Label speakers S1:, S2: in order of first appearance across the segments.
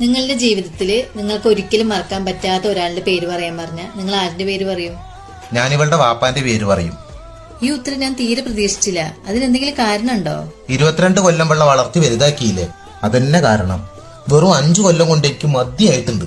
S1: നിങ്ങളുടെ ജീവിതത്തിൽ നിങ്ങൾക്ക് ഒരിക്കലും മറക്കാൻ പറ്റാത്ത ഒരാളുടെ പേര് പറയാൻ പറഞ്ഞ നിങ്ങൾ ആരുടെ പേര് പറയും?
S2: ഞാൻ ഇവളുടെ വാപ്പാന്റെ പേര് പറയും.
S1: ഈ ഉത്തരം ഞാൻ തീരെ പ്രതീക്ഷിച്ചില്ല. അതിനെന്തെങ്കിലും കാരണമുണ്ടോ?
S2: 22 കൊല്ലം വെള്ള വളർത്തി വലുതാക്കിയില്ലേ, അതന്നെ കാരണം. വെറും 5 കൊല്ലം കൊണ്ട് എനിക്ക് മതിയായിട്ടുണ്ട്.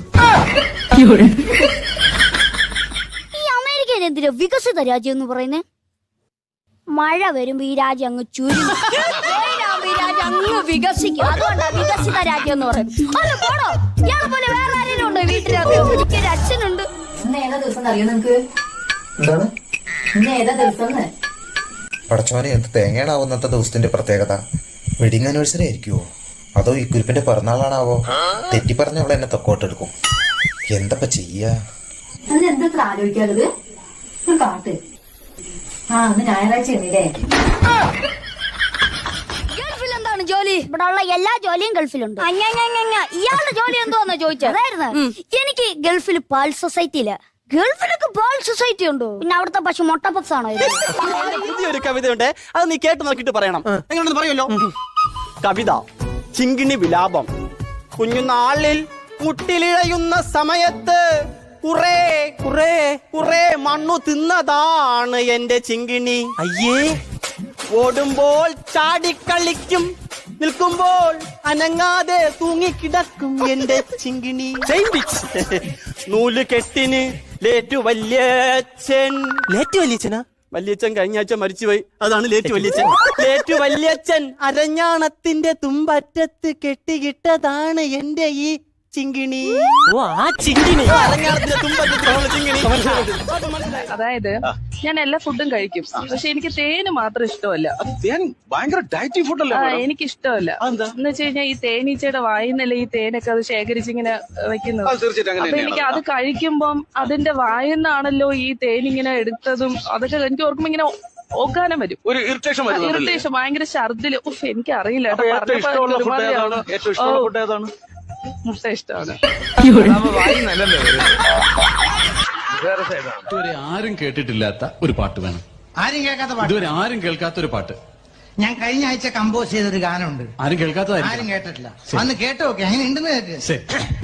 S3: ഈ അമേരിക്കയിൽ എന്തിനാ വികസിത രാജ്യം എന്ന് പറയുന്നേ? മഴ വരുമ്പോ ഈ രാജ്യം അങ്ങ് ചുരുങ്ങും, ഈ രാജ്യം അങ്ങ് വികസിക്കും. അതുകൊണ്ടാണ് വികസിത രാജ്യം എന്ന് പറയുന്നത്. അല്ല പോടോ, ഇയാളെ പോലെ വേറെ ആരെങ്കിലും ഉണ്ടോ വീട്ടിലറിയോ? എനിക്കൊരു അച്ഛനുണ്ട്.
S1: ഇന്ന് ഏതാ ദിവസം അറിയോ നിങ്ങക്ക്?
S2: എന്താണ്
S1: ഇന്ന് ഏതാ ദിവസം?
S2: പടച്ചോനെ, എന്ത് തേങ്ങയാണാവുന്നത്തെ ദിവസത്തിന്റെ പ്രത്യേകത? വെഡിങ് ആനിവേഴ്സറി ആയിരിക്കുവോ, അതോ ഈ കുരിപ്പിന്റെ പിറന്നാളാണാവോ? തെറ്റി പറഞ്ഞ അവളെ എന്നെ തൊക്കോട്ടെടുക്കും. എന്തപ്പ ചെയ്യാ?
S1: അതിനെന്തെത്ര ആലോചിക്കാറുള്ളത്? കാട്ട്. അന്ന് ഞായറാഴ്ച ആണല്ലേ?
S3: ഗൾഫിൽ എന്താണ് ജോലി? ഇവിടെ ഉള്ള എല്ലാ ജോലിയും ഗൾഫിലുണ്ട്. ഇയാളുടെ ജോലി എന്തോന്നാ ചോദിച്ചത്? അതായിരുന്നു എനിക്ക് ഗൾഫിൽ പാൽ സൊസൈറ്റിയില്. ഗൾഫിലൊക്കെ പാൽ സൊസൈറ്റി ഉണ്ടോ? പിന്നെ അവിടുത്തെ പശു മൊട്ട പപ്സ് ആണോ?
S4: പുതിയൊരു കവിതയുണ്ട്, അത് നീ കേട്ട് നോക്കിട്ട് പറയണം. എങ്ങനെയാണെന്ന് പറയുമല്ലോ. കവിത ചിങ്കിണി വിലാപം. കുഞ്ഞുനാളിൽ മുട്ടിലിഴയുന്ന സമയത്ത് കുറേ കുറേ കുറേ മണ്ണു തിന്നതാണ് എന്റെ ചിങ്കിണി. അയ്യേ, ഓടുമ്പോൾ ചാടിക്കളിക്കും, നിൽക്കുമ്പോൾ അനങ്ങാതെ തൂങ്ങിക്കിടക്കും എന്റെ ചിങ്കിണി. നൂല് കെട്ടിന് ലേറ്റു വല്യച്ഛൻ. ലേറ്റു വല്യച്ഛനാ? വല്യച്ഛൻ കഴിഞ്ഞ ആഴ്ച മരിച്ചുപോയി, അതാണ് ലേറ്റു വല്യച്ഛൻ. ലേറ്റു വല്യച്ഛൻ അരഞ്ഞാണത്തിന്റെ തുമ്പറ്റത്ത് കെട്ടിയിട്ടതാണ് എന്റെ ഈ ചിങ്കിണി. ഓ, ആ ചിങ്കിണി അരഞ്ഞാണത്തിന്റെ തുമ്പറ്റത്ത് ചിങ്കിണി.
S5: അതായത് ഞാൻ എല്ലാ ഫുഡും കഴിക്കും, പക്ഷെ എനിക്ക് തേന് മാത്രം ഇഷ്ടമല്ല.
S6: ഭയങ്കര ഡയറ്റിംഗ് ഫുഡല്ലേ?
S5: എനിക്ക് ഇഷ്ടമല്ല. എന്ന് വെച്ച് കഴിഞ്ഞാൽ ഈ തേനീച്ചയുടെ വായിന്നല്ലേ ഈ തേനൊക്കെ അത് ശേഖരിച്ചിങ്ങനെ വെക്കുന്നത്. അപ്പൊ എനിക്ക് അത് കഴിക്കുമ്പം അതിന്റെ വായിന്നാണല്ലോ ഈ തേനിങ്ങനെ എടുത്തതും അതൊക്കെ എനിക്ക് ഓർക്കുമ്പോ ഇങ്ങനെ ഓക്കാനം വരും,
S6: ഒരു ഇറിറ്റേഷൻ,
S5: ഭയങ്കര ഛർദില്. എനിക്ക് അറിയില്ല. മുട്ട ഇഷ്ടമാണ്.
S7: ഇതുവരെ ആരും കേട്ടിട്ടില്ലാത്ത ഒരു പാട്ട് വേണം. ഇതുവരെ ആരും കേൾക്കാത്ത ഒരു പാട്ട്.
S8: ഞാൻ കഴിഞ്ഞ ആഴ്ച കമ്പോസ് ചെയ്തൊരു ഗാനമുണ്ട്,
S7: ആരും കേൾക്കാത്തതായിരിക്കും.
S8: ആരും കേട്ടിട്ടില്ല. അന്ന് കേട്ടു നോക്കെ, അങ്ങനെ ഉണ്ടെന്ന് കേട്ട്.
S7: ശരി.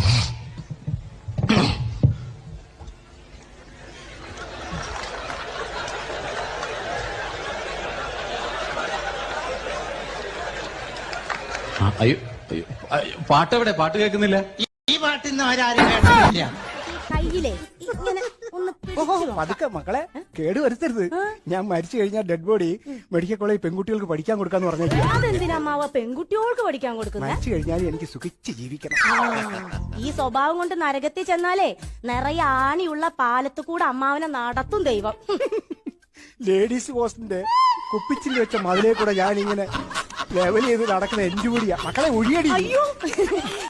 S7: അയ്യോ അയ്യോ, പാട്ടെവിടെ? പാട്ട് കേൾക്കുന്നില്ല.
S8: ഈ പാട്ടിന്ന് അവരാരും കേട്ടിട്ടില്ല.
S3: കയ്യിലേ ഇങ്ങനെ ഒന്ന്
S9: പതുക്കെ മക്കളെ, കേട് വരുത്തരുത്. ഞാൻ മരിച്ചു കഴിഞ്ഞാൽ ഡെഡ് ബോഡി മെഡിക്കൽ കോളേജ് പെൺകുട്ടികൾക്ക് പഠിക്കാൻ കൊടുക്കാന്ന് പറഞ്ഞേക്കും.
S10: അതെന്തിനാ പെൺകുട്ടികൾക്ക് പഠിക്കാൻ കൊടുക്കുന്നത്?
S9: മരിച്ചു കഴിഞ്ഞാൽ എനിക്ക് സുഖിച്ച് ജീവിക്കണം.
S10: ഈ സ്വഭാവം കൊണ്ട് നരകത്തിൽ ചെന്നാലേ നിറയെ ആണിയുള്ള പാലത്ത് കൂടെ അമ്മാവനെ നടത്തും ദൈവം.
S9: ലേഡീസ് ഹോസ്റ്റലിന്റെ കുപ്പിച്ചിൽ വെച്ച മതിലേ കൂടെ ഞാൻ ഇങ്ങനെ ലെവൽ ചെയ്ത് നടക്കുന്ന എൻജോടിയാ. മക്കളെ ഒഴിയടി.